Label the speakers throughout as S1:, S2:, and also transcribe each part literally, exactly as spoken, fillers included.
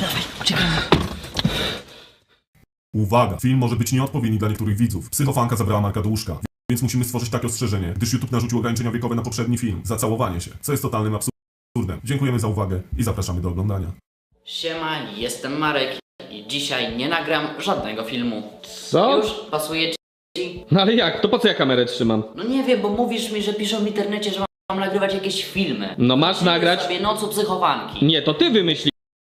S1: dawaj, uciekamy.
S2: Uwaga! Film może być nieodpowiedni dla niektórych widzów. Psychofanka zabrała Marka do łóżka, więc musimy stworzyć takie ostrzeżenie, gdyż YouTube narzucił ograniczenia wiekowe na poprzedni film, Zacałowanie się, co jest totalnym absurdem. Dziękujemy za uwagę i zapraszamy do oglądania.
S1: Siema, jestem Marek i dzisiaj nie nagram żadnego filmu.
S3: Co?
S1: Już pasuje ci?
S3: No ale jak? To po co ja kamerę trzymam?
S1: No nie wiem, bo mówisz mi, że piszą w internecie, że mam nagrywać jakieś filmy.
S3: No masz
S1: Myślimy
S3: nagrać?
S1: sobie Nocu Psychowanki.
S3: Nie, to ty wymyśliłeś.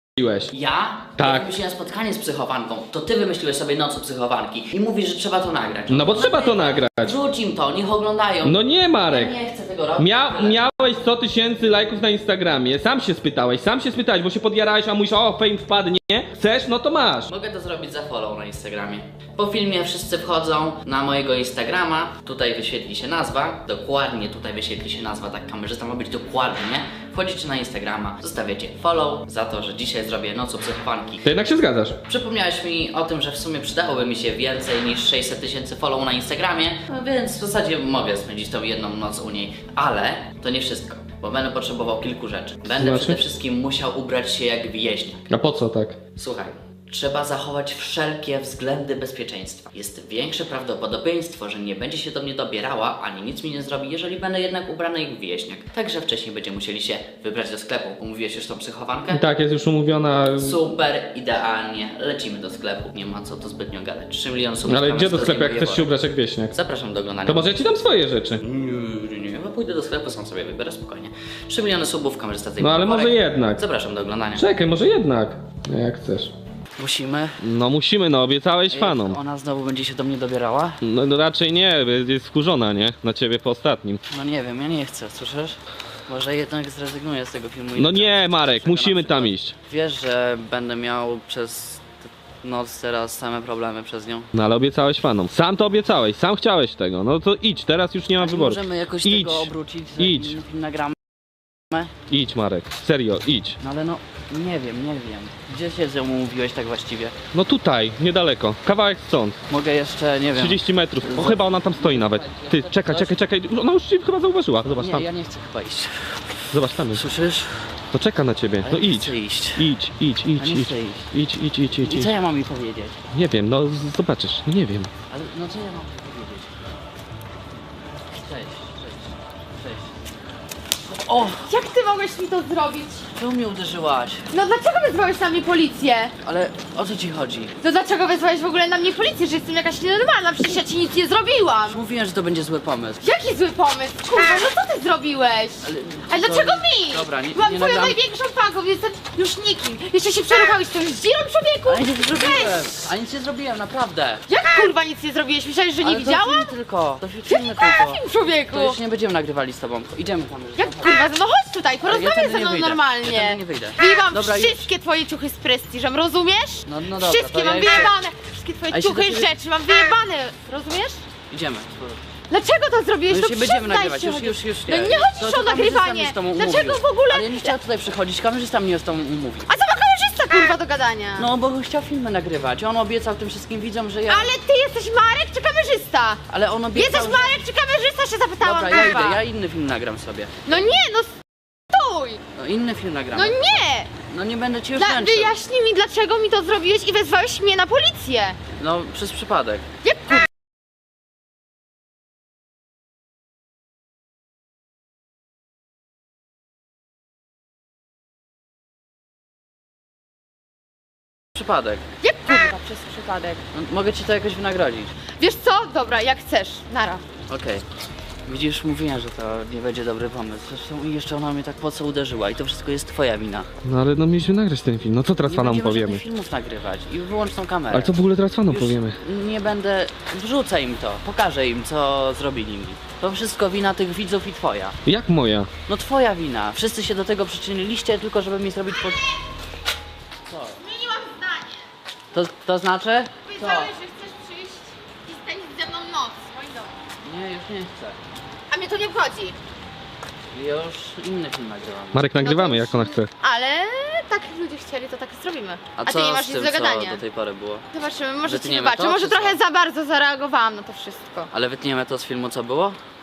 S1: Ja?
S3: Tak.
S1: Ja wymyśliłem spotkanie z psychowanką. To ty wymyśliłeś sobie Nocu Psychowanki i mówisz, że trzeba to nagrać.
S3: No bo trzeba to nagrać.
S1: Wrzuć im to, niech oglądają.
S3: No nie, Marek.
S1: Ja nie chcę tego robić.
S3: Mia miałeś sto tysięcy lajków na Instagramie. Sam się spytałeś, sam się spytałeś, bo się podjarałeś, a mówisz, o, fame wpadnie. Chcesz? No to masz.
S1: Mogę to zrobić za follow na Instagramie. Po filmie wszyscy wchodzą na mojego Instagrama. Tutaj wyświetli się nazwa. Dokładnie tutaj wyświetli się nazwa. Tak, kamerzysta ma być dokładnie. Wchodzicie na Instagrama, zostawiacie follow za to, że dzisiaj zrobię Nocu Psychofanki.
S3: To jednak się zgadzasz.
S1: Przypomniałeś mi o tym, że w sumie przydałoby mi się więcej niż sześćset tysięcy follow na Instagramie, no więc w zasadzie mogę spędzić tą jedną noc u niej. Ale to nie wszystko, bo będę potrzebował kilku rzeczy. Będę
S3: Znaczy?
S1: przede wszystkim musiał ubrać się jak wieśniak.
S3: A po co tak?
S1: Słuchaj, trzeba zachować wszelkie względy bezpieczeństwa. Jest większe prawdopodobieństwo, że nie będzie się do mnie dobierała, ani nic mi nie zrobi, jeżeli będę jednak ubrany jak wieśniak. Także wcześniej będziemy musieli się wybrać do sklepu. Umówiłeś już tą psychowankę?
S3: Tak, jest już umówiona.
S1: Super, idealnie. Lecimy do sklepu. Nie ma co to zbytnio gadać. trzy miliony subów.
S3: Ale gdzie do
S1: to
S3: sklepu, jak
S1: zdejmuje
S3: chcesz się
S1: worek.
S3: ubrać jak wieśniak?
S1: Zapraszam do oglądania.
S3: To może ja ci dam swoje rzeczy.
S1: Nie, nie, nie. Ja pójdę do sklepu, sam sobie wybiorę spokojnie. trzy miliony subów, kamerzysta
S3: No
S1: zdejmuje
S3: ale może
S1: worek.
S3: jednak.
S1: Zapraszam do oglądania.
S3: Czekaj, może jednak. No jak chcesz.
S1: Musimy.
S3: No musimy, no obiecałeś fanom.
S1: Ona znowu będzie się do mnie dobierała?
S3: No, no raczej nie, jest wkurzona, nie? Na ciebie po ostatnim.
S1: No nie wiem, ja nie chcę, słyszysz? Może jednak zrezygnuję z tego filmu. i
S3: No
S1: tak
S3: nie, Marek,
S1: czego na
S3: musimy tam
S1: przykład.
S3: iść.
S1: Wiesz, że będę miał przez t- noc teraz same problemy przez nią.
S3: No ale obiecałeś fanom. Sam to obiecałeś, sam chciałeś tego. No to idź, teraz już nie ma
S1: A
S3: wyboru.
S1: możemy jakoś
S3: Idź,
S1: tego obrócić, że
S3: idź.
S1: film nagramy?
S3: idź Marek, serio, idź.
S1: No ale no, nie wiem, nie wiem. Gdzie się z nią umówiłeś tak właściwie?
S3: No tutaj, niedaleko, kawałek stąd,
S1: Mogę jeszcze, nie wiem.
S3: trzydzieści metrów. O, chyba ona tam stoi nawet. Ty, czekaj, czekaj, czekaj, ona już ci chyba zauważyła. Zobacz
S1: Nie,
S3: tam,
S1: ja nie chcę chyba iść.
S3: zobacz tam jest.
S1: Słyszysz?
S3: To czeka na ciebie,
S1: Ale
S3: no
S1: nie
S3: idź.
S1: chcę iść.
S3: Idź, idź, idź,
S1: Ja nie
S3: idź.
S1: chcę iść.
S3: Idź, idź, idź, idź,
S1: I
S3: idź.
S1: co ja mam mi powiedzieć?
S3: Nie wiem, no z- zobaczysz, no nie wiem.
S1: Ale no co ja mam powiedzieć? Cześć, cześć, cześć. O!
S4: Jak ty mogłeś mi to zrobić?
S1: Czemu mnie uderzyłaś?
S4: No dlaczego wezwałeś na mnie policję?
S1: Ale o co ci chodzi?
S4: To dlaczego wezwałeś w ogóle na mnie policję, że jestem jakaś nienormalna? Przecież ja ci nic nie zrobiłam!
S1: Już mówiłem, że to będzie zły pomysł.
S4: Jaki zły pomysł? Kurwa, no co ty zrobiłeś?
S1: Ale,
S4: A dlaczego mi?
S1: Dobra, nie,
S4: Byłam
S1: nie
S4: twoją
S1: nagram.
S4: największą fanką, jestem już nikim. Jeszcze się przeruchałeś z tą zdzirą, człowieku?
S1: Ale nic nie zrobiłem!
S4: Weź!
S1: A nic nie zrobiłem, naprawdę!
S4: Jak kurwa nic nie zrobiłeś? Myślałeś, że nie
S1: Ale
S4: widziałam?
S1: To film tylko, to
S4: Jaki
S1: filmy
S4: kurwa
S1: tylko.
S4: film, człowieku?
S1: To już nie będziemy nagrywali z tobą. Idziemy tam już.
S4: Jak kurwa, no chodź tutaj,
S1: Ale ja
S4: porozmawiaj
S1: tędy
S4: ze
S1: nie
S4: mną
S1: wyjdę. Ja
S4: normalnie.
S1: tędy nie wyjdę.
S4: Wyjebałam
S1: Dobra, już.
S4: wszystkie twoje ciuchy z prestiżem, rozumiesz?
S1: No, no dobra,
S4: Wszystkie
S1: to
S4: mam
S1: ja idę.
S4: wyjebane. Wszystkie
S1: A
S4: twoje
S1: jeśli
S4: ciuchy
S1: do
S4: i
S1: ciebie-
S4: rzeczy mam wyjebane, rozumiesz?
S1: Idziemy.
S4: Dlaczego to zrobiłeś?
S1: No już
S4: No
S1: nie będziemy
S4: przyznaj
S1: nagrywać,
S4: się
S1: już,
S4: chociaż.
S1: już, już
S4: No nie
S1: To-
S4: chodzisz
S1: to
S4: o
S1: kamerzysta
S4: nagrywanie.
S1: mnie z tobą
S4: Dlaczego
S1: umówił.
S4: w ogóle?
S1: Ale ja nie chciałem tutaj przychodzić, kamerzysta mnie z tobą umówił.
S4: A co ma kamerzysta kurwa do gadania?
S1: No bo chciał filmy nagrywać, on obiecał tym wszystkim widzom, że ja...
S4: Ale ty jesteś Marek czy kamerzysta?
S1: Ale on obiecał,
S4: Jesteś
S1: że...
S4: Marek czy kamerzysta, się zapytałam,
S1: Dobra, ja
S4: kurwa.
S1: idę, ja inny film nagram sobie.
S4: No nie, no stój!
S1: No inny film nagram.
S4: No nie!
S1: No nie będę ci już
S4: Dla,
S1: męczył.
S4: wyjaśnij mi, dlaczego mi to zrobiłeś i wezwałeś mnie na policję.
S1: No przez przypadek.
S4: Jak kurwa?
S1: Przypadek.
S4: Jak kurwa przez przypadek?
S1: No, mogę ci to jakoś wynagrodzić.
S4: Wiesz co? Dobra, jak chcesz. Nara.
S1: Okej. Widzisz, mówiłem, że to nie będzie dobry pomysł. Zresztą jeszcze ona mnie tak po co uderzyła i to wszystko jest twoja wina.
S3: No ale no mieliśmy nagrać ten film, no co teraz
S1: Nie
S3: fanom
S1: będziemy
S3: powiemy?
S1: żadnych filmów nagrywać i wyłącz tą kamerę.
S3: Ale co w ogóle teraz fanom
S1: Już
S3: powiemy?
S1: nie będę... Wrzucę im to, pokażę im, co zrobili mi. To wszystko wina tych widzów i twoja.
S3: Jak moja?
S1: No twoja wina. Wszyscy się do tego przyczyniliście tylko, żeby mi zrobić pod... Co?
S4: Zmieniłam zdanie.
S1: To, to znaczy?
S4: Powiedziałeś, że chcesz przyjść i spędzić ze mną noc w moim domu.
S1: Nie, już nie chcę.
S4: A mnie to nie wchodzi.
S1: Już inny film nagrywam.
S3: Marek, nagrywamy
S4: No to-
S3: jak ona chce.
S4: Ale tak jak ludzie chcieli, to tak zrobimy.
S1: A,
S4: ty
S1: co
S4: nie masz
S1: z
S4: nic
S1: tym,
S4: do gadania.
S1: co do tej pory było?
S4: Zobaczymy, może ci
S1: Wytniemy
S4: wybaczę.
S1: to,
S4: Może
S1: czy co?
S4: trochę za bardzo zareagowałam na to wszystko.
S1: Ale wytniemy to z filmu, co było?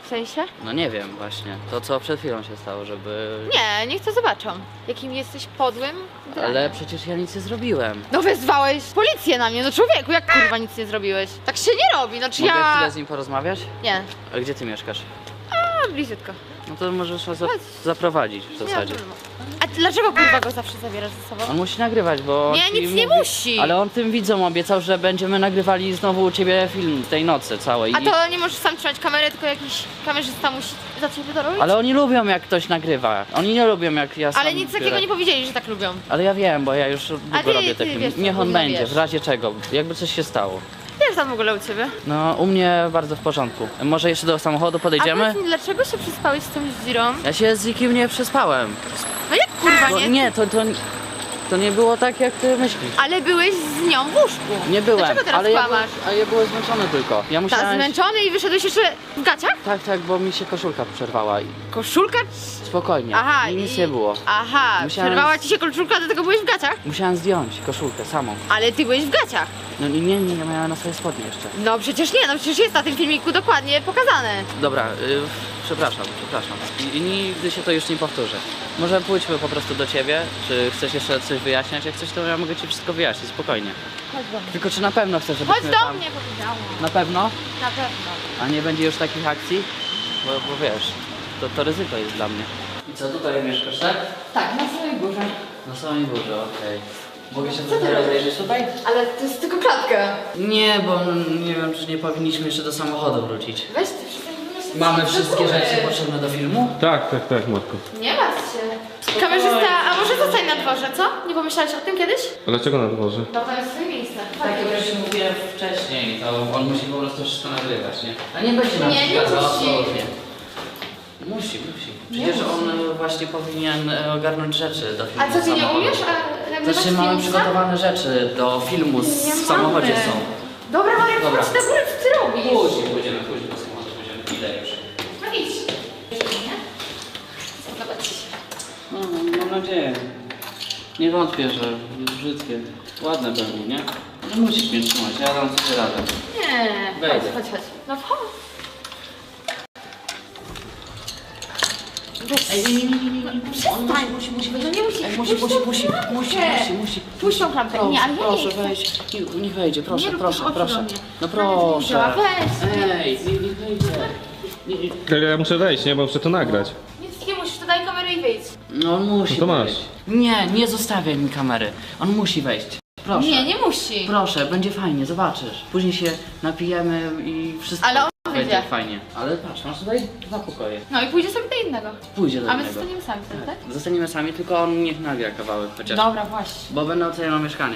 S4: sensie?
S1: No nie wiem właśnie, to co przed chwilą się stało, żeby...
S4: Nie, niech to zobaczą. Jakim jesteś podłym.
S1: Ale przecież ja nic nie zrobiłem.
S4: No wezwałeś policję na mnie, no człowieku, jak kurwa nic nie zrobiłeś? Tak się nie robi, no czy
S1: Mogę
S4: ja...
S1: chwilę z nim porozmawiać?
S4: Nie,
S1: A gdzie ty mieszkasz?
S4: a bliziutko.
S1: No to możesz nas za
S4: Chodź.
S1: zaprowadzić w
S4: Nie ma
S1: zasadzie.
S4: problemu. A dlaczego kurwa go zawsze zabierasz ze sobą?
S1: On musi nagrywać, bo... on
S4: Nie,
S1: ci
S4: nic nie
S1: mówi-
S4: musi.
S1: Ale on tym widzom obiecał, że będziemy nagrywali znowu u ciebie film tej nocy całej.
S4: A
S1: I-
S4: to nie możesz sam trzymać kamerę, tylko jakiś kamerzysta musi za ciebie to robić?
S1: Ale oni lubią jak ktoś nagrywa. Oni nie lubią jak ja sam
S4: Ale nic takiego
S1: biorę.
S4: nie powiedzieli, że tak lubią.
S1: Ale ja wiem, bo ja już długo
S4: ty-
S1: robię te
S4: ty
S1: filmy.
S4: wiesz, co
S1: Niech on
S4: powinno,
S1: będzie,
S4: wiesz.
S1: w razie czego, jakby coś się stało.
S4: Jak tam w ogóle u ciebie?
S1: No, u mnie bardzo w porządku. Może jeszcze do samochodu
S4: A
S1: podejdziemy?
S4: powiedz mi, dlaczego się przespałeś z tą dzirą?
S1: Ja się z nikim nie przespałem.
S4: No jak kurwa
S1: Bo
S4: nie?
S1: nie, to, to, to nie było tak, jak ty myślisz.
S4: Ale byłeś z nią w łóżku.
S1: Nie byłem,
S4: Dlaczego teraz
S1: ale ja,
S4: kłamasz?
S1: byłem- a ja byłem zmęczony tylko. Ja
S4: Tak,
S1: musiałem...
S4: zmęczony i wyszedłeś jeszcze w gaciach?
S1: Tak, tak, bo mi się koszulka przerwała i
S4: Koszulka?
S1: spokojnie.
S4: Aha,
S1: I nic
S4: i-
S1: nie było.
S4: Aha,
S1: Musiałem-
S4: przerwała ci się koszulka, dlatego byłeś w gaciach?
S1: Musiałem zdjąć koszulkę samą.
S4: Ale ty byłeś w gaciach.
S1: No nie, nie, nie, ja miałem na swoje spodnie jeszcze.
S4: No przecież nie, no przecież jest na tym filmiku dokładnie pokazane.
S1: Dobra, y, przepraszam, przepraszam. I, I nigdy się to już nie powtórzy. Może pójdźmy po prostu do ciebie, czy chcesz jeszcze coś wyjaśniać? Jak chcesz, to ja mogę ci wszystko wyjaśnić, spokojnie.
S4: Chodź do mnie.
S1: Tylko czy na pewno chcesz, żebyśmy
S4: Chodź do
S1: tam...
S4: mnie, powiedziałam.
S1: Na pewno?
S4: Na pewno.
S1: A nie będzie już takich akcji? Bo, bo wiesz, to, to ryzyko jest dla mnie. I co, tutaj mieszkasz, tak?
S4: Tak, na samej górze.
S1: Na samej górze, okej. Mogę się
S4: Co ty
S1: trochę
S4: robisz?
S1: rozejrzeć tutaj?
S4: Ale to jest tylko klatka.
S1: Nie, bo nie wiem, czy nie powinniśmy jeszcze do samochodu wrócić.
S4: Weź ty przestań wymyślać.
S1: Mamy
S4: do
S1: wszystkie
S4: góry.
S1: rzeczy potrzebne do filmu?
S3: Tak, tak, tak, Matko.
S4: Nie martw się. Kamerzysta, a może zostań na dworze, co? Nie pomyślałeś o tym kiedyś?
S3: A dlaczego na dworze?
S4: No tam jest swoje miejsce.
S1: Tak jak już mówiłem wcześniej, to on musi po prostu wszystko nagrywać, nie? A nie będzie nam
S4: Nie, nie
S1: przeszkadzał,
S4: musi.
S1: absolutnie. Musi, musi. Przecież
S4: musi.
S1: on e, właśnie powinien e, ogarnąć rzeczy do filmu
S4: A co, ty nie
S1: samochodu.
S4: umiesz? A nagrywać
S1: Znaczy mamy
S4: film
S1: przygotowane rzeczy do filmu z,
S4: Nie
S1: w samochodzie
S4: mamy.
S1: są.
S4: Dobra, Marek,
S1: Dobra.
S4: chodź na górę, co ty robisz?
S1: Później pójdziemy, później do samochodu pójdziemy. Idę już.
S4: No idź. Nie? Zobacz.
S1: No, mam nadzieję. Nie wątpię, że jest brzydkie. Ładne będą, nie? No musisz mnie trzymać, ja dam sobie radę.
S4: Nie. Chodź,
S1: Wejdę.
S4: chodź, chodź. No chodź.
S1: Ej, nie, nie, nie, nie, nie.
S4: Przestań. Musi, musi, no nie musi.
S1: Ej, musi, musi, musi, musi, musi, musi.
S4: Puść tą klampę.
S1: Proszę,
S4: Nie, ale ja
S1: proszę,
S4: nie chcę.
S1: wejdź. Niech, niech wejdzie, proszę,
S4: Nie rób
S1: proszę,
S4: tych oczu
S1: proszę.
S4: do mnie.
S1: No
S4: Ale nie działa,
S1: proszę.
S4: weź.
S1: Ej, niech, niech wejdzie. Nie, nie.
S3: Ale ja muszę wejść, nie? Bo muszę to nagrać.
S4: Nic nie musisz, to daj kamerę i wyjdź.
S1: No on musi
S3: No to masz.
S1: wejść. Nie, nie zostawiaj mi kamery. On musi wejść. Proszę.
S4: Nie, nie musi.
S1: Proszę, będzie fajnie, zobaczysz. Później się napijemy i wszystko
S4: Ale on
S1: będzie
S4: wyjdzie.
S1: fajnie. Ale patrz, masz tutaj dwa pokoje.
S4: No i pójdzie sobie do innego.
S1: Pójdzie do
S4: A my
S1: niego.
S4: zostaniemy sami, tak?
S1: Zostaniemy sami, tylko on niech nagra kawałek chociaż.
S4: Dobra, właśnie.
S1: Bo będę oceniał mieszkanie.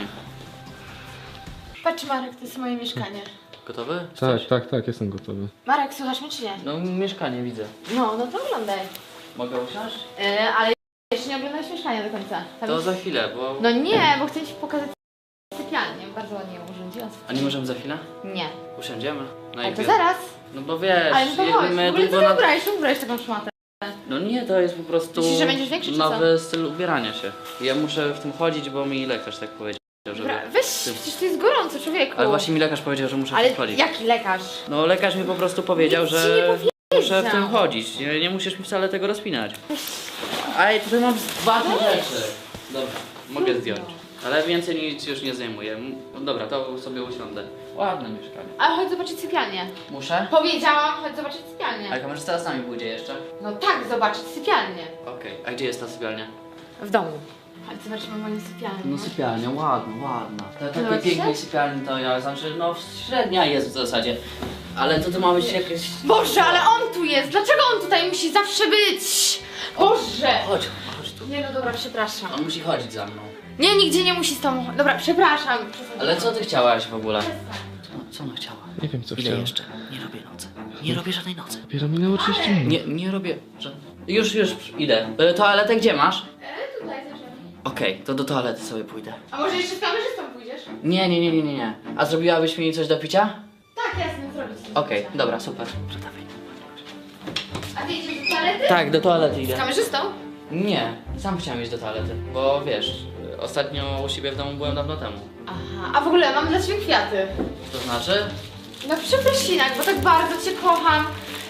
S4: Patrz Marek, to jest moje mieszkanie.
S1: Gotowy?
S3: Tak, tak, tak, jestem gotowy.
S4: Marek, słuchasz mnie czy nie?
S1: No mieszkanie widzę.
S4: No, no to oglądaj.
S1: Mogę usiąść?
S4: Yy, ale jeszcze nie oglądałeś mieszkania do końca. Tam
S1: To
S4: jest...
S1: za chwilę, bo...
S4: No nie, bo chcę ci pokazać sypialnię. Bardzo ładnie ją urządziłam.
S1: A nie możemy za chwilę?
S4: Nie.
S1: Usiądziemy? Na
S4: Ale to
S1: chwilę.
S4: zaraz.
S1: No bo wiesz,
S4: Ale no to
S1: jakby
S4: chodź. W
S1: my
S4: ogóle co
S1: długo
S4: ty
S1: na...
S4: ubrałeś? Czemu ubrałeś taką szmatę?
S1: No nie, to jest po prostu
S4: Myślisz, że będziesz większy, czy
S1: nowy styl ubierania się. Ja muszę w tym chodzić, bo mi lekarz tak powiedział, żeby...
S4: Dobra, weź, przecież to jest gorąco, człowieku.
S1: Ale właśnie mi lekarz powiedział, że muszę w
S4: Ale
S1: tym chodzić.
S4: jaki lekarz?
S1: No lekarz mi po prostu powiedział,
S4: Nic ci
S1: że
S4: nie powiedział.
S1: muszę w tym chodzić. Nie, nie musisz mi wcale tego rozpinać. Ej, tutaj mam ważne rzeczy. Dobra, mogę zdjąć. Ale więcej nic już nie zajmuję. No dobra, to sobie usiądę. Ładne mieszkanie.
S4: Ale chodź zobaczyć sypialnię.
S1: Muszę?
S4: Powiedziałam, chodź zobaczyć sypialnię.
S1: A kamerzysta z nami pójdzie jeszcze?
S4: No tak, zobaczyć sypialnię.
S1: Okej, a gdzie jest ta sypialnia?
S4: W domu. Chodź zobaczymy moją sypialnię.
S1: No sypialnia, ładna, ładna. Ta,
S4: Podoba
S1: takiej
S4: ci się?
S1: pięknej sypialni to ja, znaczy no średnia jest w zasadzie. Ale to tu ma być jakieś...
S4: Boże, ale on tu jest! Dlaczego on tutaj musi zawsze być? Boże!
S1: Chodź, chodź tu.
S4: Nie no dobra, przepraszam.
S1: On musi chodzić za mną.
S4: Nie, nigdzie nie musi z tobą. Dobra, przepraszam.
S1: Ale co ty chciałaś w ogóle? Co, co ona chciała?
S3: Nie wiem, co
S1: Ile
S3: chciałem.
S1: jeszcze? Nie robię nocy. Nie robię żadnej nocy.
S3: Dopiero minęło trzydzieści minut.
S1: Nie, nie robię żadnej... Już, już idę. E, toaletę gdzie masz?
S4: E, tutaj zaczynamy.
S1: Okej, to do toalety sobie pójdę.
S4: A może jeszcze z kamerzystą pójdziesz?
S1: Nie, nie, nie, nie, nie, nie. A zrobiłabyś mi coś do picia?
S4: Tak, jasne, zrobić.
S1: Okej, dobra, super. Dawaj.
S4: A ty idziesz do toalety?
S1: Tak, do toalety
S4: Z
S1: idę.
S4: kamerzystą?
S1: Nie, sam chciałem iść do toalety, bo wiesz, ostatnio u siebie w domu byłem dawno temu.
S4: Aha, a w ogóle mam dla ciebie kwiaty.
S1: To znaczy?
S4: No przeprosinak, bo tak bardzo cię kocham.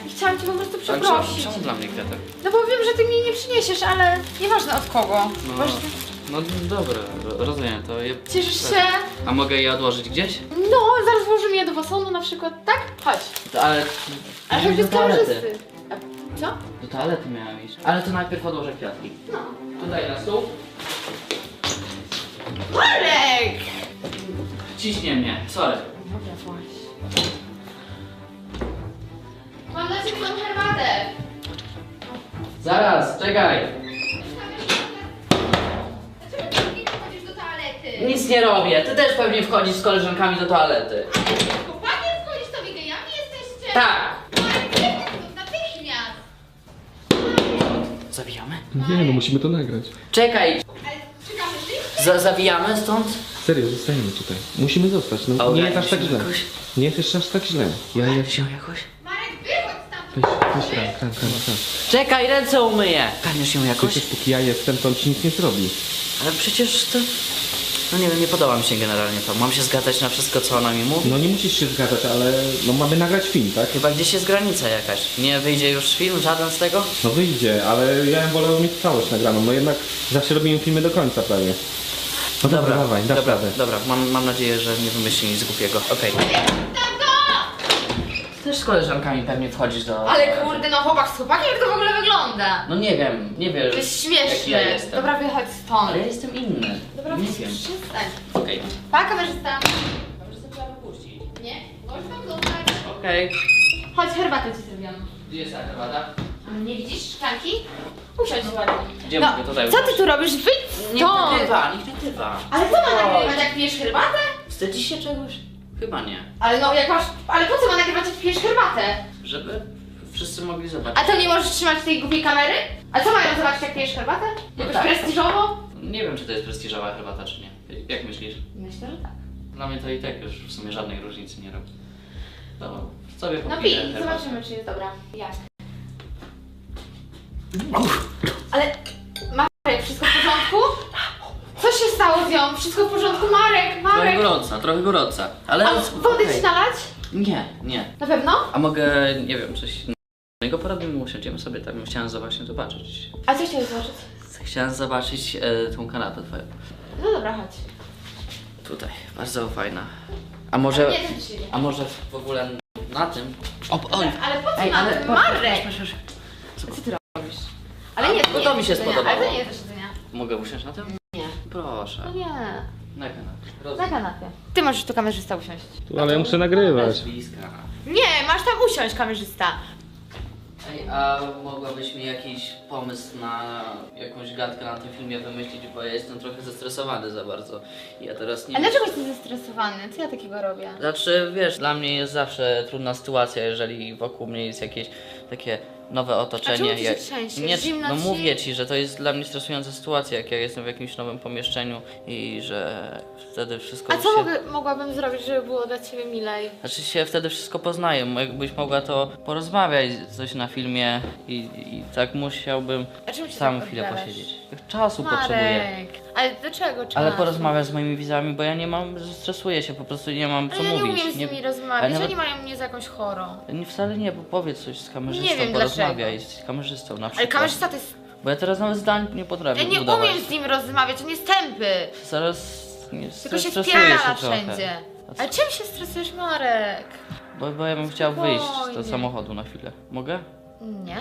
S4: chciałam cię po prostu
S1: Ale czemu,
S4: przeprosić.
S1: czemu dla mnie kwiatek?
S4: No bo wiem, że ty mi nie przyniesiesz, ale nieważne od kogo.
S1: No,
S4: Ważne.
S1: no dobra, ro- rozumiem to. Je...
S4: Cieszysz się?
S1: A mogę je odłożyć gdzieś?
S4: No, zaraz włożymy je do wasonu na przykład, tak? Chodź.
S1: To, ale...
S4: Ale
S1: miałem
S4: choćby z
S1: do toalety.
S4: kamerzysty. A co?
S1: Do toalety miałem iść. Ale to najpierw odłożę kwiatki.
S4: No.
S1: Tutaj na stół.
S4: Marek!
S1: Ciśnie mnie, sorry.
S4: Dobra, właśnie. Mam dla ciebie tą herbatę.
S1: Zaraz, czekaj.
S4: Dlaczego ty nie chodzisz do toalety?
S1: Nic nie robię. Ty też pewnie wchodzisz z koleżankami do toalety.
S4: Chłopakiem wchodzisz, to wy gejami jesteście?
S1: Tak.
S4: Marek, nie stąd, natychmiast!
S1: Zawijamy?
S3: Nie, no musimy to nagrać.
S1: Czekaj.
S4: Ale czekamy, ty?
S1: Za zawijamy stąd?
S3: Serio, zostajemy tutaj. Musimy zostać, no nie
S1: Ogarnij
S3: jest aż tak
S1: się
S3: źle.
S1: jakoś.
S3: Nie jest jeszcze aż tak źle. Ja ja
S1: Się jakoś?
S4: Marek, wychodź
S3: Weź,
S4: stamtąd!
S3: weź kran, kran, kran, kran.
S1: Czekaj, ręce umyję. Karniesz ją jakoś?
S3: Przecież póki ja jestem, to on ci nic nie zrobi.
S1: Ale przecież to... No nie wiem, nie podoba mi się generalnie to. Mam się zgadzać na wszystko, co ona mi mówi?
S3: No nie musisz się zgadzać, ale no mamy nagrać film, tak?
S1: Chyba gdzieś jest granica jakaś. Nie wyjdzie już film, żaden z tego?
S3: No wyjdzie, ale ja bym wolał mieć całość nagraną. No jednak zawsze robimy filmy do końca prawie. No dobra, dawaj, dasz
S1: dobra,
S3: radę.
S1: dobra. Mam, mam nadzieję, że nie wymyśli nic głupiego. Okej.
S4: Tato!
S1: Ty też z koleżankami pewnie wchodzisz do...
S4: Ale kurde, no chłopak z chłopakiem, jak to w ogóle wygląda?
S1: No nie wiem, nie wiesz.
S4: To jest
S1: jak
S4: śmieszne.
S1: ja jestem.
S4: Dobra, wychodź stąd.
S1: Ale ja jestem inny.
S4: Dobra,
S1: nie
S4: weź,
S1: wiem.
S4: przestań.
S1: Okej.
S4: Pa, kamerzysta.
S1: Kamerzysta trzeba wypuścić.
S4: Nie? Możesz tam zostać.
S1: Okej.
S4: Chodź, herbatę ci zrobiłam.
S1: Gdzie jest ta herbata?
S4: A nie widzisz szklanki? Usiądź ładnie.
S1: Gdzie mogę tutaj
S4: co ty
S1: usiąść?
S4: tu robisz? Wyjdź
S1: Nie
S4: stąd!
S1: nagrywa, niech nagrywa.
S4: Ale co ma nagrywać, jak pijesz herbatę?
S1: Wstydzisz się czegoś? Chyba nie.
S4: Ale no, jak masz... Ale po co ma nagrywać, jak pijesz herbatę?
S1: Żeby wszyscy mogli zobaczyć.
S4: A to nie możesz trzymać tej głupiej kamery? A co mają zobaczyć, jak pijesz herbatę?
S1: No
S4: Jakoś
S1: tak.
S4: prestiżowo?
S1: Nie wiem, czy to jest prestiżowa herbata, czy nie. Jak myślisz?
S4: Myślę, że tak.
S1: Dla mnie to i tak już w sumie żadnej różnicy nie robi. To sobie
S4: No
S1: popiję
S4: pij,
S1: herbatę.
S4: zobaczymy, czy jest dobra. Jak? Ale... Marek, wszystko w porządku? Co się stało z nią? Wszystko w porządku? Marek,
S1: Trochę
S4: Marek!
S1: gorąca, trochę gorąca. Ale...
S4: A wody
S1: okej.
S4: ci nalać?
S1: Nie, nie.
S4: Na pewno?
S1: A mogę, nie wiem, coś innego porobimy, usiądziemy sobie tak. Chciałem właśnie zobaczyć.
S4: A co chciałeś zobaczyć?
S1: Chciałem zobaczyć e, tą kanapę twoją.
S4: No dobra, chodź.
S1: Tutaj, bardzo fajna. A może...
S4: Nie, ten się nie.
S1: A może w ogóle na tym? O, oj!
S4: Ale po co
S1: Ej,
S4: na
S1: ale
S4: tym?
S1: patrz,
S4: Marek!
S1: patrz, patrz, patrz.
S4: Co ty robisz? Ale
S1: A,
S4: nie,
S1: bo
S4: to nie
S1: to
S4: jest
S1: mi się
S4: do siedzenia.
S1: spodobało.
S4: Ale to nie jest do siedzenia.
S1: Mogę usiąść na tym?
S4: Nie.
S1: Proszę.
S4: No nie.
S1: Na kanapie.
S4: Na
S1: Rozumiem.
S4: kanapie. Ty możesz tu kamerzysta usiąść.
S3: Tu, ale ja muszę nagrywać.
S1: Bez bliska.
S4: Nie, masz tam usiąść kamerzysta.
S1: Ej, a mogłabyś mi jakiś pomysł na jakąś gadkę na tym filmie wymyślić, bo ja jestem trochę zestresowany za bardzo. I ja teraz nie
S4: A
S1: wiem.
S4: dlaczego jesteś zestresowany? Co ja takiego robię?
S1: Znaczy, wiesz, dla mnie jest zawsze trudna sytuacja, jeżeli wokół mnie jest jakieś takie nowe otoczenie.
S4: A czemu ty się
S1: jak-
S4: trzęsiesz?
S1: Nie,
S4: Zimno
S1: no
S4: ci?
S1: mówię ci, że to jest dla mnie stresująca sytuacja, jak ja jestem w jakimś nowym pomieszczeniu i że wtedy wszystko
S4: A
S1: już
S4: co
S1: się...
S4: mogę, mogłabym zrobić, żeby było dla ciebie milej?
S1: Znaczy się wtedy wszystko poznaję, jakbyś mogła to porozmawiać coś na filmie i, i tak musiałbym
S4: A czemu się
S1: sam
S4: tak
S1: chwilę
S4: odbierasz?
S1: posiedzieć. Czasu potrzebuję.
S4: Marek, ale dlaczego czas?
S1: Ale porozmawiać z moimi widzami, bo ja nie mam, stresuję się, po prostu nie mam co
S4: Ale ja nie
S1: mówić.
S4: umiem z nimi
S1: ale
S4: rozmawiać,
S1: nawet-
S4: oni mają mnie za jakąś chorą.
S1: Nie, wcale nie, bo powiedz coś z kamerzystą,
S4: Nie wiem
S1: porozmawiaj
S4: dlaczego.
S1: z kamerzystą na przykład.
S4: Ale kamerzysta to jest...
S1: Bo ja teraz nawet zdań nie potrafię
S4: Ja nie
S1: budować.
S4: umiem z nim rozmawiać, on jest tępy.
S1: Zaraz nie
S4: Tylko się
S1: stresuję się
S4: wpierdala
S1: trochę.
S4: wszędzie. Ale czym się stresujesz, Marek?
S1: Bo, bo ja bym chciał wyjść z
S4: Spokojnie.
S1: do samochodu na chwilę. Mogę?
S4: Nie.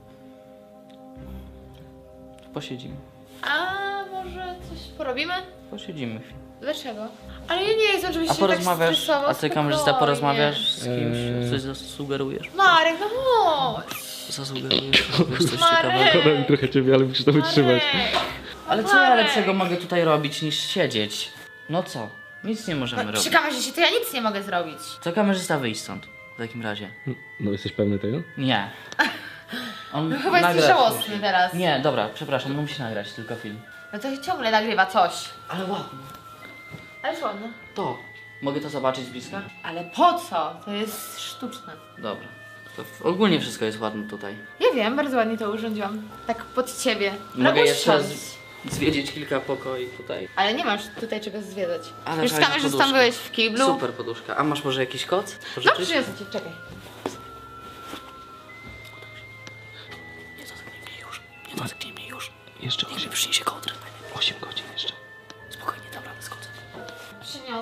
S1: Posiedzimy.
S4: A może coś porobimy?
S1: Posiedzimy chwilę.
S4: Dlaczego? Ale ja nie jestem, żebyś
S1: A
S4: się tak
S1: porozmawiasz,
S4: stresował.
S1: a ty kamerzysta
S4: spokojnie.
S1: porozmawiasz z kimś?
S3: Eee.
S1: Coś zasugerujesz?
S4: Marek, no chodź.
S1: Zasugerujesz? Powiesz coś ciekawego?
S4: Marek.
S3: Szkoda mi trochę ciebie, ale musisz to wytrzymać.
S4: Marek.
S1: Ale co ja
S4: Marek.
S1: lepszego mogę tutaj robić niż siedzieć? No co? Nic nie możemy
S4: No,
S1: robić.
S4: przy kamerzyście to ja nic nie mogę zrobić.
S1: To kamerzysta wyjść stąd. W takim razie.
S3: No jesteś pewny tego?
S1: Nie. On
S4: No chyba jesteś
S1: nagrać
S4: żałosny
S1: musi.
S4: teraz.
S1: Nie, dobra, przepraszam, on musi nagrać tylko film.
S4: No to ciągle nagrywa coś.
S1: Ale ładnie.
S4: Ale ładnie.
S1: To. Mogę to zobaczyć z bliska?
S4: Ale po co? To jest sztuczne.
S1: Dobra. To w- ogólnie wszystko jest ładne tutaj.
S4: Ja wiem, bardzo ładnie to urządziłam. Tak pod ciebie.
S1: Mogę
S4: No
S1: jeszcze
S4: usiądź.
S1: z- zwiedzić kilka pokoi tutaj.
S4: Ale nie masz tutaj czego zwiedzać.
S1: Ale
S4: Już z
S1: fajna
S4: kamerzystą
S1: poduszka.
S4: byłeś w kiblu.
S1: Super poduszka. A masz może jakiś koc?
S4: No
S1: Pożyczyć?
S4: przyniosę ci, czekaj.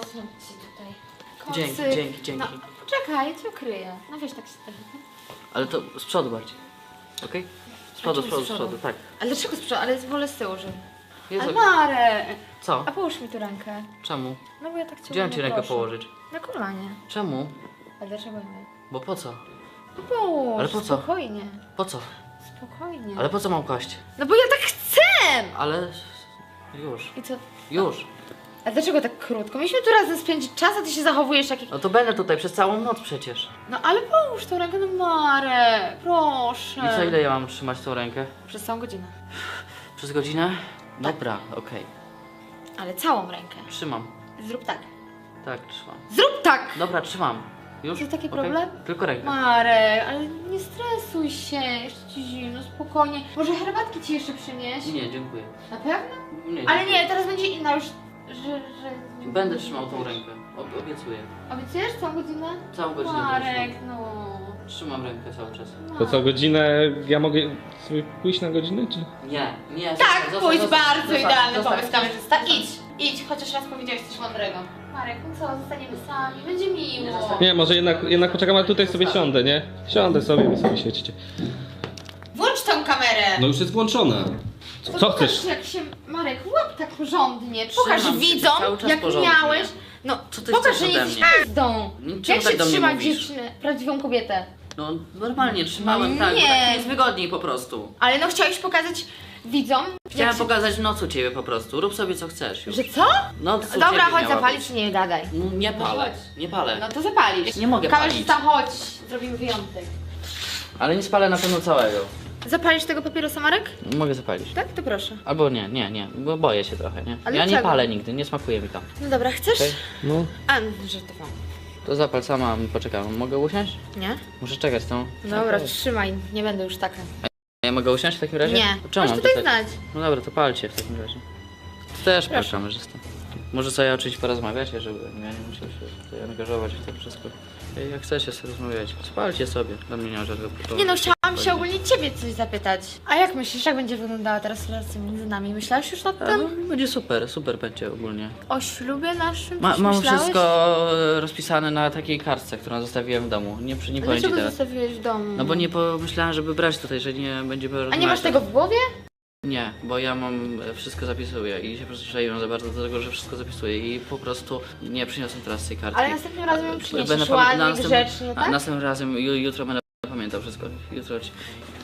S4: Zasnąć ci tutaj.
S1: Dzięki,
S4: Kocyk.
S1: dzięki, dzięki.
S4: No, poczekaj, ja cię ukryję. No wiesz, tak się trochę.
S1: Ale to z przodu bardziej. Okej? Z przodu, z
S4: czemu z
S1: przodu, z
S4: przodu?
S1: przodu, tak.
S4: Ale dlaczego z przodu? Ale wolę z tyłu, żeby...
S1: Jest
S4: Ale
S1: okej.
S4: Marek!
S1: Co?
S4: A połóż mi tu rękę.
S1: Czemu?
S4: No bo ja tak cię
S1: Gdzie mam ci
S4: ładnie
S1: rękę
S4: proszę.
S1: położyć?
S4: Na kolanie.
S1: Czemu?
S4: A dlaczego nie?
S1: Bo po co?
S4: No połóż,
S1: Ale po co?
S4: spokojnie.
S1: Po co?
S4: Spokojnie.
S1: Ale po co mam kłaść?
S4: No bo ja tak chcę!
S1: Ale... Już.
S4: I co?
S1: Już.
S4: A dlaczego tak krótko? Mieliśmy tu razem spędzić czas, a ty się zachowujesz jak...
S1: No to będę tutaj przez całą noc przecież.
S4: No ale połóż tą rękę, no Marek, proszę.
S1: I co, ile ja mam trzymać tą rękę?
S4: Przez całą godzinę.
S1: Przez godzinę? Dobra, okej.
S4: Ale całą rękę.
S1: Trzymam.
S4: Zrób tak.
S1: Tak, trzymam.
S4: Zrób tak!
S1: Dobra, trzymam. Już?
S4: To taki
S1: Okej?
S4: problem?
S1: Tylko rękę.
S4: Marek, ale nie stresuj się, jeszcze ci zimno, spokojnie. Może herbatki ci jeszcze przynieść?
S1: Nie, dziękuję.
S4: Na pewno?
S1: Nie,
S4: Ale
S1: dziękuję.
S4: nie, teraz będzie inna już, że... że...
S1: Będę trzymał tą rękę. Ob obiecuję.
S4: Obiecujesz całą godzinę?
S1: Całą godzinę będę
S4: Marek,
S1: trzymał.
S4: no...
S1: Trzymam rękę cały czas.
S3: To co, godzinę, ja mogę sobie pójść na godzinę, czy?
S1: Nie, nie.
S4: Tak,
S1: zostań,
S4: pójdź,
S1: zostań,
S4: bardzo
S1: zostań,
S4: idealny
S1: zostań,
S4: pomysł, kamerzysta.
S1: zostań.
S4: Idź, idź, chociaż raz powiedziałeś coś mądrego. Marek, no co, zostaniemy sami, będzie
S1: Nie
S4: miło.
S1: zostań.
S3: Nie, może jednak, jednak poczekam, a tutaj sobie siądę, nie? Siądę sobie, wy sobie świecicie.
S4: Włącz tą kamerę!
S3: No już jest włączona.
S4: To
S3: Co
S4: pokaż,
S3: chcesz?
S4: jak się, Marek, łap tak porządnie. Pokaż
S1: Trzymam się
S4: widzom,
S1: cały czas
S4: jak
S1: porządnie.
S4: miałeś. No,
S1: Co ty
S4: pokaż,
S1: chcesz
S4: że
S1: ode
S4: jesteś
S1: mnie?
S4: pizdą.
S1: Czemu
S4: Jak
S1: tak
S4: się
S1: do mnie
S4: trzyma
S1: mówisz?
S4: dziewczynę, prawdziwą kobietę?
S1: No normalnie trzymałem,
S4: No
S1: tak, bo
S4: nie.
S1: tak mi jest wygodniej po prostu.
S4: Ale no chciałeś pokazać widzom,
S1: Chciałem
S4: jak się...
S1: pokazać w noc u ciebie po prostu. Rób sobie co chcesz już.
S4: Że co?
S1: Noc u
S4: Dobra,
S1: ciebie
S4: chodź
S1: miała
S4: zapalić,
S1: być.
S4: nie gadaj.
S1: No, nie
S4: No
S1: palę,
S4: chodź.
S1: nie palę.
S4: No to zapalisz.
S1: Nie mogę
S4: Kamerzysta, chodź, zrobimy wyjątek.
S1: Ale nie spalę na pewno całego.
S4: Zapalisz tego papierosa, Marek?
S1: Mogę zapalić.
S4: Tak? To proszę.
S1: Albo nie, nie, nie, bo boję się trochę, nie?
S4: Ale
S1: ja nie
S4: czego?
S1: palę nigdy, nie smakuje mi to.
S4: No dobra, chcesz?
S1: Okej.
S3: No.
S4: A, żartowałam.
S1: To zapal sama, poczekam. Mogę usiąść?
S4: Nie?
S1: Muszę czekać tą.
S4: Dobra,
S1: Okej.
S4: trzymaj, nie będę już taka.
S1: Ja mogę usiąść w takim razie?
S4: Nie,
S1: To czemu
S4: masz
S1: mam
S4: tutaj
S1: tak-
S4: znać.
S1: No dobra, to palcie w takim razie. Ty też pal
S4: Proszę.
S1: kamerzysta. Może sobie oczywiście porozmawiacie, żeby ja nie musiał się tutaj angażować w to wszystko. Jak chcecie sobie rozmawiać, spalcie sobie. Dla mnie nie ma żadnego problemu.
S4: Nie no, chciałam się ogólnie ciebie coś zapytać. A jak myślisz, jak będzie wyglądała teraz relacja między nami? Myślałeś już nad
S1: A,
S4: tym?
S1: no, będzie super, super będzie ogólnie.
S4: O ślubie naszym?
S1: Ma,
S4: Coś
S1: mam
S4: myślałeś?
S1: wszystko e, rozpisane na takiej kartce, którą zostawiłem w domu. Nie, przy- nie
S4: A
S1: powiem ci
S4: dlaczego
S1: teraz.
S4: zostawiłeś w domu?
S1: No bo nie pomyślałem, żeby brać tutaj, że nie będzie
S4: A nie masz tego w głowie?
S1: Nie, bo ja mam e, wszystko zapisuję i się przyzwyczaiłem za bardzo do tego, że wszystko zapisuję i po prostu nie przyniosłem teraz tej kartki.
S4: Ale następnym razem ją
S1: A,
S4: przyniesiesz
S1: będę pamię-
S4: ładnie,
S1: następnym-
S4: grzecznie,
S1: a,
S4: tak?
S1: Następnym razem, ju, jutro będę pamiętał wszystko. Jutro ci...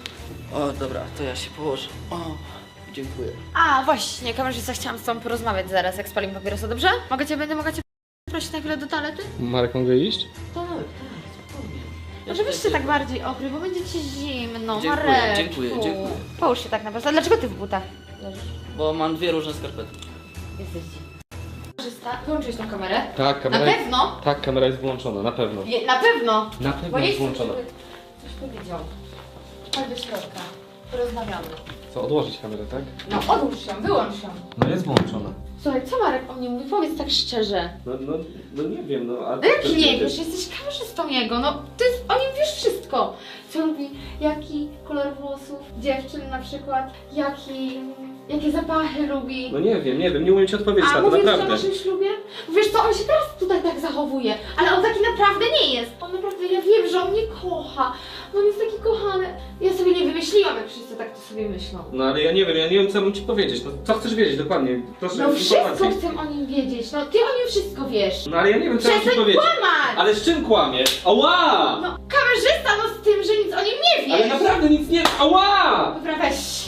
S1: O, dobra, to ja się położę. O, dziękuję.
S4: A, właśnie, kamerzysta, chciałam z tobą porozmawiać zaraz, jak spalimy papierosa, dobrze? Mogę cię, będę mogła cię prosić na chwilę do toalety?
S3: Marek, mogę iść?
S1: Tak, tak, spokojnie.
S4: Może byś się tak bardziej okrył, bo będzie ci zimno,
S1: Dziękuję,
S4: Mareczku.
S1: dziękuję, dziękuję.
S4: Połóż się tak naprawdę. A dlaczego ty w butach leżysz?
S1: Bo mam dwie różne skarpety.
S4: Jesteś kamerzysta, wyłączyłeś tą kamerę?
S3: Tak,
S4: Na
S3: kamera jest...
S4: pewno?
S3: Tak, kamera jest włączona, na pewno.
S4: Je, na pewno!
S3: Na
S4: Bo
S3: pewno
S4: nie
S3: jest
S4: chcę,
S3: włączona.
S4: żeby coś powiedział. Chodź do środka. Porozmawiamy.
S3: Co, odłożyć kamerę, tak?
S4: No odłóż ją, wyłącz ją.
S3: No jest włączona.
S4: Słuchaj, co Marek o mnie mówi? Powiedz tak szczerze.
S3: No, no, no nie wiem, no a...
S4: No jak nie wiesz, jesteś kamerzystą jego, no ty o nim wiesz wszystko. Co lubi, jaki kolor włosów dziewczyn na przykład, jaki, jakie zapachy lubi.
S3: No nie wiem, nie wiem, nie umiem ci odpowiedzieć
S4: A
S3: na to,
S4: mówię ci o
S3: naprawdę.
S4: naszym ślubie? Wiesz co, on się teraz tutaj tak zachowuje, ale on taki naprawdę nie jest. On naprawdę, ja wiem, że on mnie kocha. On jest taki kochany. Ja sobie nie wymyśliłam, jak wszyscy tak to sobie myślą.
S3: No ale ja nie wiem, ja nie wiem co mam ci powiedzieć. No co chcesz wiedzieć dokładnie? Proszę
S4: No wszystko
S3: informacji.
S4: chcę o nim wiedzieć, no ty o nim wszystko wiesz.
S3: No ale ja nie wiem co mam ci
S4: Przestań
S3: powiedzieć.
S4: kłamać!
S3: Ale z czym kłamiesz? Ała!
S4: No kamerzysta, no z tym, że nic o nim nie wiesz.
S3: Ale naprawdę nic nie... Ała!
S4: Dobra, weź.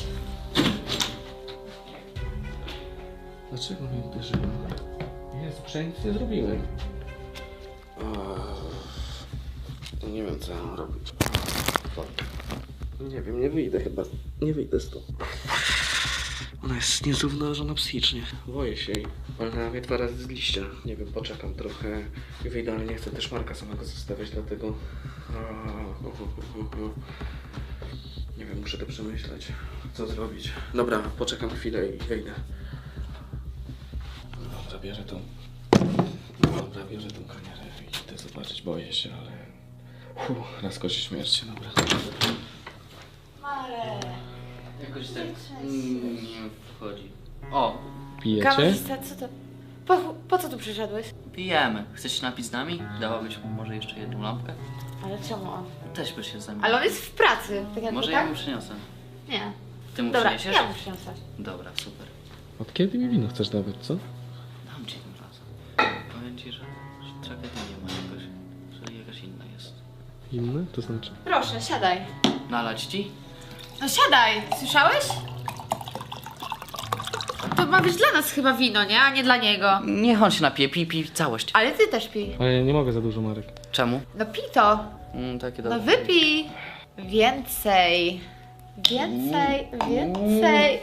S3: Dlaczego mnie uderzyło? Jezu, przecież nic nie zrobiłem.
S5: Nie wiem co mam robić. Nie wiem, nie wyjdę chyba. Nie wyjdę stąd. Ona jest niezrównoważona psychicznie. Boję się jej. Ale na mnie dwa razy z liścia. Nie wiem, poczekam trochę i wyjdę, ale nie chcę też Marka samego zostawiać, dlatego... Nie wiem, muszę to przemyśleć. Co zrobić? Dobra, poczekam chwilę i wyjdę. Dobra, bierę tą... Dobra, bierę tą kamerę i idę zobaczyć. Boję się, ale... Uff, raz kości śmierci, dobra.
S4: Marek.
S1: Jakoś tak mm, nie wchodzi. O,
S3: Pijecie?
S4: Kamerzysta, co to? Po, po co tu przyszedłeś?
S1: Pijemy. Chcesz się napić z nami? Dałabyś mu może jeszcze jedną lampkę?
S4: Ale czemu on?
S1: Też byś się zamienił.
S4: Ale on jest w pracy, tak jakby,
S1: Może
S4: tak?
S1: ja mu przyniosę.
S4: Nie.
S1: Ty mu
S4: Dobra,
S1: przyniesiesz?
S4: ja mu przyniosę.
S1: Dobra, super.
S3: Od kiedy mi wino chcesz dawać, co?
S1: Dam ci tym razem. Powiem ci, że, że tragedii nie ma jakoś, że jakaś inna jest.
S3: Inne? To znaczy?
S4: Proszę, siadaj.
S1: Nalać ci?
S4: No siadaj, słyszałeś? To ma być dla nas chyba wino, nie? A nie dla niego.
S1: Niech on się napije, pij, pij całość.
S4: Ale ty też pij.
S3: Ale ja nie mogę za dużo, Marek.
S1: Czemu?
S4: No pij to.
S1: Mm, takie
S4: No
S1: dobre.
S4: wypij. Więcej. Więcej, więcej.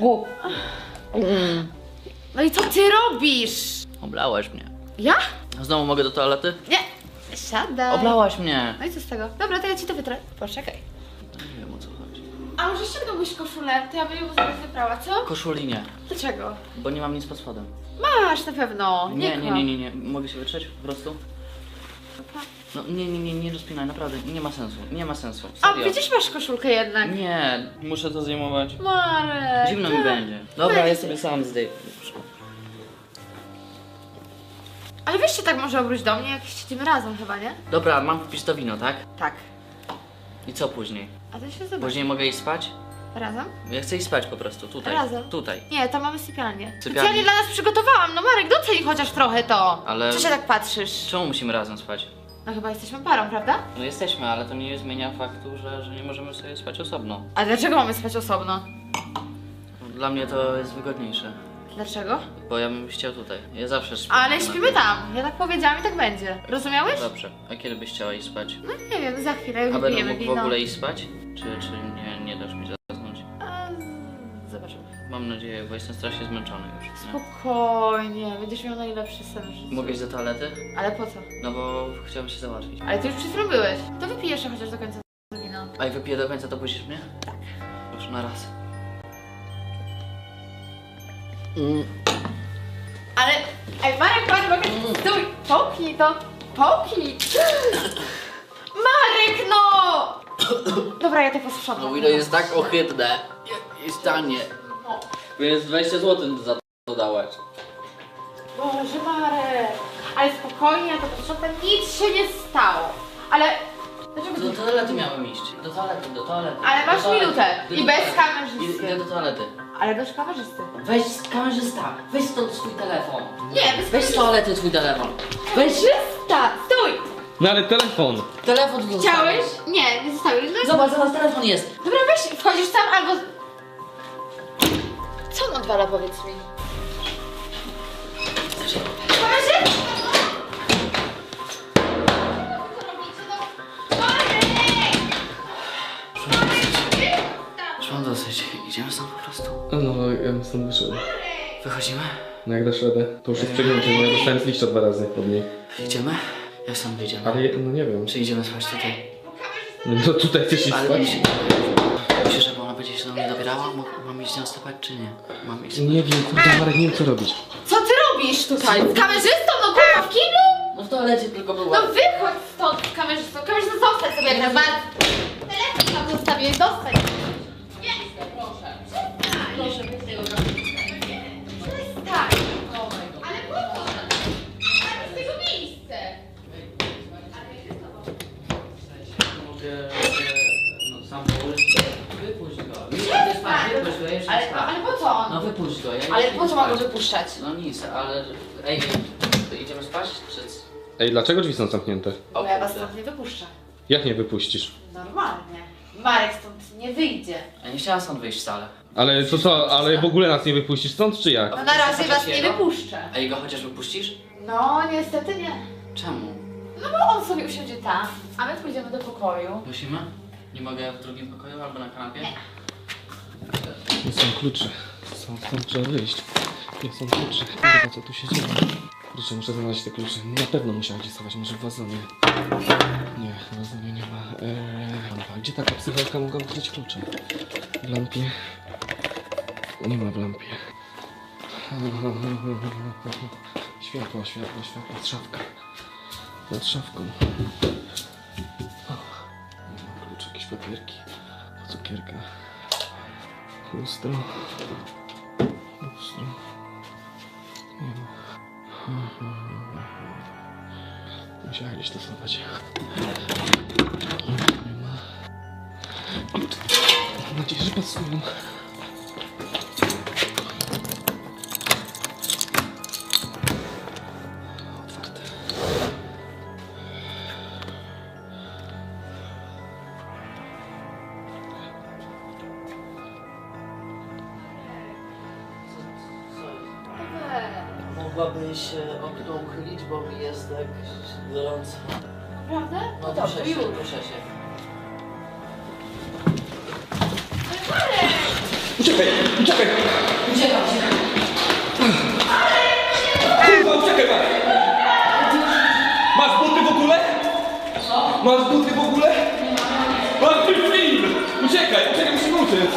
S4: No i co ty robisz?
S1: Oblałaś mnie.
S4: Ja?
S1: Znowu mogę do toalety?
S4: Nie. Siadaj.
S1: Oblałaś mnie.
S4: No i co z tego? Dobra, to ja ci to wytrę. Poczekaj.
S1: Nie wiem o co chodzi.
S4: A może ściągnąłbyś koszulę? To ja bym ją zaraz wyprała, co?
S1: Koszuli nie,
S4: Dlaczego?
S1: bo nie mam nic pod spodem.
S4: Masz na pewno.
S1: Nie, nie,
S4: kłam.
S1: nie, nie, nie. Mogę się wytrzeć po prostu? No nie, nie, nie, nie rozpinaj, naprawdę. Nie ma sensu, nie ma sensu.
S4: A
S1: Serio.
S4: widzisz, masz koszulkę jednak.
S1: Nie, muszę to zdejmować.
S4: Marek.
S1: Zimno mi
S4: tak.
S1: będzie. Dobra,
S4: Będzie.
S1: ja sobie sam zdejmę.
S4: Ale weź się tak może obróć do mnie, jak siedzimy razem chyba, nie?
S1: Dobra, mam kupić to wino, tak?
S4: Tak.
S1: I co później?
S4: A to się zobacz.
S1: Później mogę iść spać?
S4: Razem?
S1: Ja chcę iść spać po prostu, tutaj.
S4: Razem.
S1: Tutaj.
S4: Nie, tam mamy sypialnię.
S1: Sypialnię.
S4: Specjalnie dla nas przygotowałam. No Marek, doceń chociaż trochę to.
S1: Ale-
S4: Co się tak patrzysz?
S1: Czemu musimy razem spać?
S4: No chyba jesteśmy parą, prawda?
S1: No jesteśmy, ale to nie zmienia faktu, że, że nie możemy sobie spać osobno.
S4: A dlaczego mamy spać osobno?
S1: Dla mnie to jest wygodniejsze,
S4: Dlaczego?
S1: bo ja bym chciał tutaj. Ja zawsze śpię.
S4: Ale śpimy tam. Ja tak powiedziałam i tak będzie. Rozumiałeś?
S1: Dobrze. A kiedy byś chciała iść spać?
S4: No nie wiem, za chwilę
S1: A będę
S4: wypijemy
S1: mógł w
S4: wino.
S1: ogóle iść spać? Czy, czy nie, nie dasz mi zasnąć?
S4: A, z- zobaczymy.
S1: Mam nadzieję, bo jestem strasznie zmęczony już. Nie?
S4: Spokojnie, będziesz miał najlepszy sen w życiu.
S1: Mogę iść do toalety?
S4: Ale po co?
S1: No bo chciałem się załatwić.
S4: Ale ty już przed chwilą byłeś. To wypijesz je chociaż do końca to wino.
S1: A jak wypiję do końca, to puścisz mnie? Tak. Proszę, na raz.
S4: Ale... Ej, Marek, Marek, Marek, stój! Połknij to! Połknij! Marek, no! Dobra, ja to posprzątam.
S1: No wino jest tak ohydne. Jest tanie. Więc dwadzieścia złotych za to dałaś.
S4: Boże, Marek! Ale spokojnie, ja to posprzątam, nic się nie stało. Ale... Dlaczego
S1: Do
S4: ty...
S1: toalety miałem iść. Do toalety, do toalety.
S4: Ale masz
S1: do toalety.
S4: minutę.
S1: Do
S4: I
S1: toalety.
S4: bez kamerzysty.
S1: Idę do toalety.
S4: Ale bez kamerzysty.
S1: Weź kamerzysta, weź stąd swój telefon.
S4: Nie, bez
S1: Weź z toalety twój telefon. Weź
S4: Kamerzysta! Stój!
S3: No ale telefon!
S1: telefon tu
S4: Chciałeś?
S1: zostawić.
S4: Nie, nie zostawiłeś. No,
S1: Zobacz, zobacz, telefon jest.
S4: dobra, weź, wchodzisz tam albo... Co on odwala, powiedz mi? Kamerzysta!
S1: Już mam dosyć. Idziemy stąd po prostu.
S3: No, ja bym stąd wyszedł.
S1: Wychodzimy?
S3: No jak dasz radę? To już jest przegięcie, bo ja dostałem z liścia dwa razy od niej.
S1: Idziemy? Jak stąd wyjdziemy?
S3: Ale no nie wiem.
S1: Czy idziemy spać tutaj?
S3: No to tutaj chcesz iść
S1: Ale
S3: spać?
S1: myślisz, myślisz, że ona będzie się do mnie dobierała? Mo- Mam iść z nią stopać, czy nie? Mam iść
S3: Nie wiem, kurde Marek, nie wiem co robić.
S4: Co ty robisz tutaj? Z kamerzystą? No kurwa, w kiblu?
S1: No w toalecie tylko była.
S4: No wychodź stąd z kamerzystą. Kamerzysta, zostań sobie jak najbardziej. Telefon tam zostawię, zostań. Nie, proszę. Proszę, weź tego kamerzystę. Przestań. Ale po co? Ale z tego miejsce.
S1: Mogę... No sam położyć. Wypuść go. Nie idę spać, wypuść go, ja jeszcze
S4: Ale,
S1: spać.
S4: ale po co on?
S1: No wypuść go, ja
S4: Ale
S1: jeszcze
S4: po
S1: idę
S4: co mam go
S1: spać.
S4: wypuszczać?
S1: No nic, ale... Ej, to idziemy spać, czy...
S3: Ej, dlaczego drzwi są zamknięte?
S4: Bo ja was
S1: kurde.
S4: stąd nie wypuszczę.
S3: Jak nie wypuścisz?
S4: Normalnie. Marek stąd nie wyjdzie.
S1: Ja nie chciałam stąd wyjść wcale.
S3: Ale to co, ale w ogóle nas nie wypuścisz stąd, czy jak?
S4: No na razie was nie
S1: Jego?
S4: wypuszczę.
S1: A jego chociaż wypuścisz?
S4: No niestety nie.
S1: Czemu?
S4: No bo on sobie usiądzie tam, a my pójdziemy do pokoju.
S1: Musimy? Nie mogę w drugim pokoju albo na kanapie?
S4: Nie.
S3: Nie są klucze. Są, stąd trzeba wyjść. Nie są klucze. Kurwa, co tu się dzieje? Kurczę, muszę znaleźć te klucze. Na pewno musiała gdzieś schować, może w wazonie. Nie, w wazonie nie ma. Eee, lampa. Gdzie taka psycholka mogła ukryć klucze? W lampie? Nie ma w lampie. Światło, światło, światło. Szafka. Nad szafką. O, nie ma kluczy, jakieś papierki. Cukierka. Lustro. Lustro. Nie ma. Musiałem gdzieś stosować. Nie ma. Mam nadzieję, że pasują. Otwarte.
S1: Mogłabyś okno uchylić, bo mi jest tak gorąco.
S4: Prawda?
S1: No
S4: dobrze,
S1: proszę się,
S4: już.
S1: proszę się.
S3: Uciekaj! Uciekaj!
S1: Uciekam się.
S3: Kurwa, uciekaj, Marek! Masz buty w ogóle?
S1: Co?
S3: Masz buty w ogóle? Masz ten film! Uciekaj, uciekaj, musimy uciec!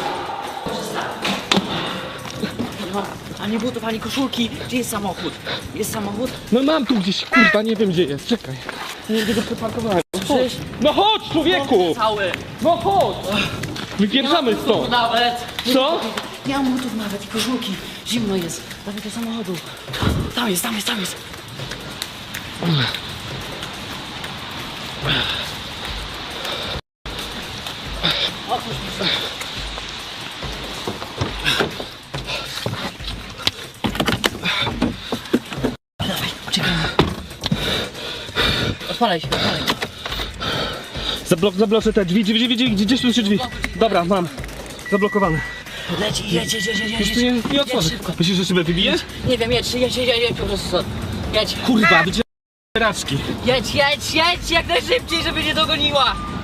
S1: Nie mam ani butów, ani koszulki. Gdzie jest samochód? Jest samochód?
S3: No mam tu gdzieś, kurwa, nie wiem gdzie jest, czekaj. Nie wiem, gdzie go przeparkowałem.
S1: Przecież
S3: No chodź, człowieku!
S1: cały.
S3: No chodź! Wypieprzamy stąd!
S1: Nawet.
S3: Co?
S1: Nie mam butów nawet i koszulki. Zimno jest. Dawaj do samochodu. Tam jest, tam jest, tam jest. Otwórz mi się. Dawaj, uciekamy. Odpalaj się, odpalaj.
S3: Zablok, zabloczę te drzwi, drzwi, drzwi, drzwi, gdzieś tu się drzwi. Dobra, mam. Zablokowane.
S1: Leci, jedź, jedź, jedź, jedź,
S3: Już
S1: jedź.
S3: tu nie, nie
S1: Jedź
S3: otworzę.
S1: szybko.
S3: Myślisz, że szybę wybiję?
S1: Nie wiem, jedź, jedź, jedź, jedź, po prostu stąd. Jedź,
S3: Kurwa, wycieraczki.
S1: jedź, jedź, jedź jak najszybciej, żeby nie dogoniła.